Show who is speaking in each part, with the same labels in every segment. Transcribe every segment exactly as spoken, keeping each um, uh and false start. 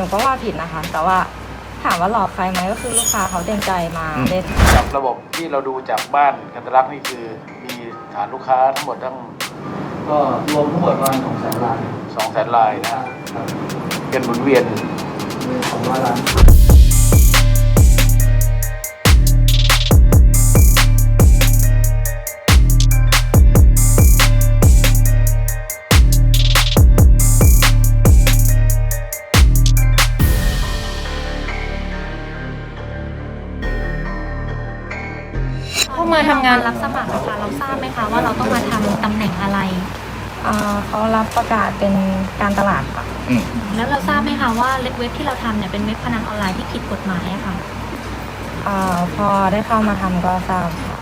Speaker 1: ก็ว่าผิดนะคะแต่ว่าถามว่าหลอกใครไหมก็คือลูกค้าเขาเต็มใจมาเล่น
Speaker 2: จากระบบที่เราดูจากบ้านกันตลักนี่คือมีฐานลูกค้าทั้งหมดทั้ง
Speaker 3: ก็รวมทั้งหมดประมาณสองแสนราย
Speaker 2: สองแสนรายนะเป็นหมุนเวียน
Speaker 3: สองร้อยล้าน
Speaker 4: เข้ามาทำงานรับสมัครนะคะเราทราบไหมคะว่าเราต้องมาทำตำแหน่งอะไร
Speaker 1: เขารับประกาศเป็นการตลาดค่ะ
Speaker 4: แล้วเราทราบไหมคะว่าเว็บที่เราทำเนี่ยเป็นเว็บพนันออนไลน์ที่ผิดกฎหมายอะค่ะ
Speaker 1: พอได้เข้ามาทำก็ทราบค่ะ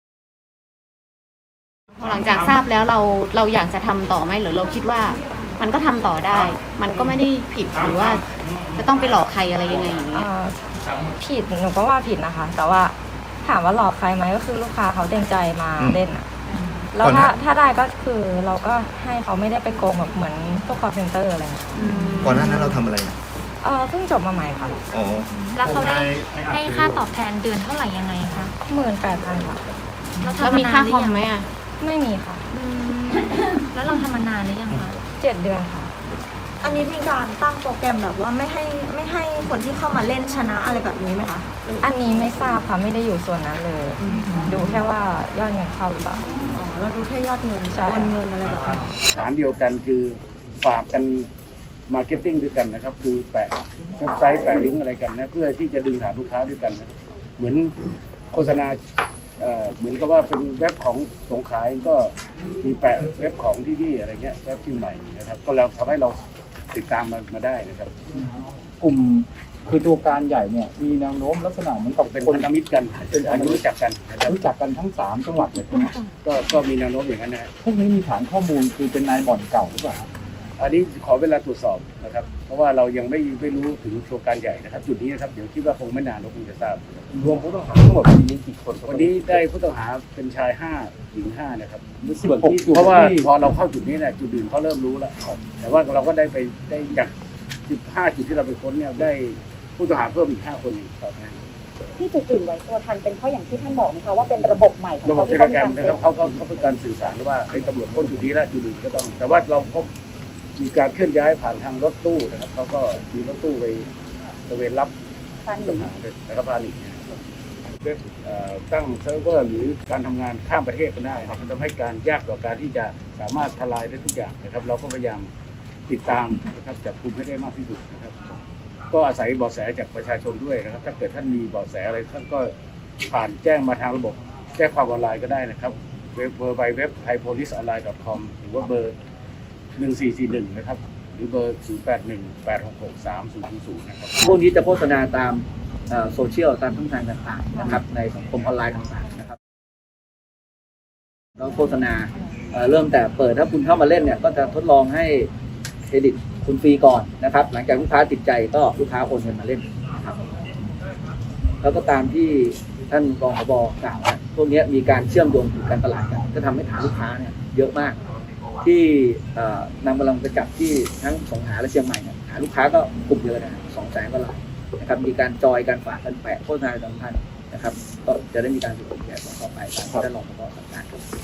Speaker 4: พอหลังจากทราบแล้วเราเราอยากจะทำต่อไหมหรือเราคิดว่ามันก็ทำต่อได้มันก็ไม่ได้ผิดหรือว่าจะต้องไปหลอกใครอะไรยังไงอย่างนี้
Speaker 1: ผิดหนูก็ว่าผิดนะคะแต่ว่าถามว่าหลอกใครไหมก็คือลูกค้าเขาเต็มใจมาเล่นอ่ะแล้วถ้าถ้าได้ก็คือเราก็ให้เขาไม่ได้ไปโกงแบบเหมือนพวกคอร์เซ็นเตอร์อะไร
Speaker 5: ก่อนหน้านั้นเราทำอะไร
Speaker 1: เออเพิ่งจบมาใหม่ค่ะ
Speaker 5: อ๋อ
Speaker 4: แล้วเขาได้ให้ค่าตอบแทนเดือนเท่าไหร่ยังไงคะ
Speaker 1: หมื่นแปดพันค่ะ
Speaker 4: แล้วมีค่าคอมไหมอ่ะ
Speaker 1: ไม่มีค่ะ
Speaker 4: แล้วเราทำมานานหรือยังคะ
Speaker 1: เจ็ดเดือนค่ะ
Speaker 6: อันนี้มีการตั้งโปรแกรมแบบว่าไม่ให้ไม่ให้คนที่เข้ามาเล่นชนะอะไรแบบนี้ไหมคะ
Speaker 1: อันนี้ไม่ทราบค่ะไม่ได้อยู่ส่วนนั้นเลยดูแค่ว่ายอดเงินเข้าหรือเปล่า
Speaker 6: อ๋อเราดูแค่ยอดเงินโอนเงินอะไรแบบนี้
Speaker 2: ฐานเดียวกันคือฝากกันมาร์เก็ตติ้งด้วยกันนะครับคือแปะเว็บไซต์แปะลิงก์อะไรกันนะเพื่อที่จะดึงฐานลูกค้าด้วยกันนะเหมือนโฆษณาเหมือนกับว่าเป็นเว็บของสงขลาก็มีแปะเว็บของที่นี่อะไรเงี้ยเว็บที่ใหม่นะครับก็เราทำให้เราติดตามมามาได้นะครับ
Speaker 3: กลุ่มคือตัวการใหญ่เนี่ยมีแนวโน้มลักษณะเหมือนกับ
Speaker 2: เป็นคนมิตรกันเป็นคนรู้จักกัน
Speaker 3: รู้จักกันทั้งสามจังหวัดเลย
Speaker 2: ก็ก็มีแนวโน้มอย่างนั้นนะ
Speaker 3: พวกนี้มีฐานข้อมูลคือเป็นนายบ่อนเก่าหรือเปล่า
Speaker 2: อันนี้ขอเวลาตรวจสอบนะครับเพราะว่าเรายังไม่ไม่รู้ถึงตัวการใหญ่นะครับจุดนี้นะครับเดี๋ยวคิดว่าคงไม่นานเราคงจะทราบ
Speaker 3: รวมผู้ต้องหาทั้งหมดมีกี่คน
Speaker 2: วันนี้ได้ผู้ต้องหาเป็นชายห้าหญิงห้านะครับส่วนที่เพราะว่าพอเราเข้าจุดนี้เนี่ยจุดอื่นเขาเริ่มรู้แล้วแต่ว่าเราก็ได้ไปได้จากจุดห้าจุดที่เราไปค้นเนี่ยได้ผู้ต้องหาเพิ่มอีกห้าคนอีกครับ
Speaker 6: ที่จุดอื่นไว้ตัวทันเป็นเพราะอย่างที่ท่านบอกนะคะว่าเป็นระบบใหม่
Speaker 2: ระบบเทเลแกรมนะครับเขาเขาเขาเป็นการสื่อสารว่าไอ้ตำรวจค้นจุดนี้แล้วจุดอื่นก็ต้องแต่ว่าเราพบมีการเคลื่อนย้ายผ่านทางรถตู้นะครับเขาก็มีรถตู้ไปตระเวนรับผู้ต้องหานะครับพาหนีเว็บตั้งเซิร์ฟเวอร์หรือการทำงานข้ามประเทศก็ได้ครับมันทำให้การยากต่อการที่จะสามารถทลายได้ทุกอย่างนะครับเราก็พยายามติดตามนะครับจับกุมให้ได้มากที่สุดนะครับก็อาศัยเบาะแสจากประชาชนด้วยนะครับถ้าเกิดท่านมีเบาะแสอะไรท่านก็ผ่านแจ้งมาทางระบบแจ้งความออนไลน์ก็ได้นะครับเว็บเบอร์ไปเว็บ ไทยโพลิสออนไลน์ ดอท คอม หรือว่าเบอร์หนึ่งสี่สี่หนึ่งนะครับหรือเบอร์ศูนย์แปดหนึ่ง แปดหกหก สามศูนย์ศูนย์นะครับ
Speaker 7: พวกนี้จะโฆษณาตามโซเชียลตามช่องทางต่างๆนะครับในสังคมออนไลน์ต่างๆนะครับแล้วโฆษณาเริ่มแต่เปิดถ้าคุณเข้ามาเล่นเนี่ยก็จะทดลองให้เครดิตคุณฟรีก่อนนะครับหลังจากลูกค้าติดใจก็ลูกค้าโอนเงินมาเล่นนะครับแล้วก็ตามที่ท่านรองผบ.กล่าวว่าพวกนี้มีการเชื่อมโยงถึงการตลาดกันก็ทำให้ฐานลูกค้าเนี่ยเยอะมากที่นำกำลังไปจับที่ทั้งสงขลาและเชียงใหม่เนี่ยหาลูกค้าก็กลุ่มเยอะนะสองแสนกว่ารายนะครับมีการจอยการฝากกันแปะโฆษณาสำคัญนะครับก็จะได้มีการสืบสวนแก้ต่อไปตามที่ท่านรองผบ.สั่งการ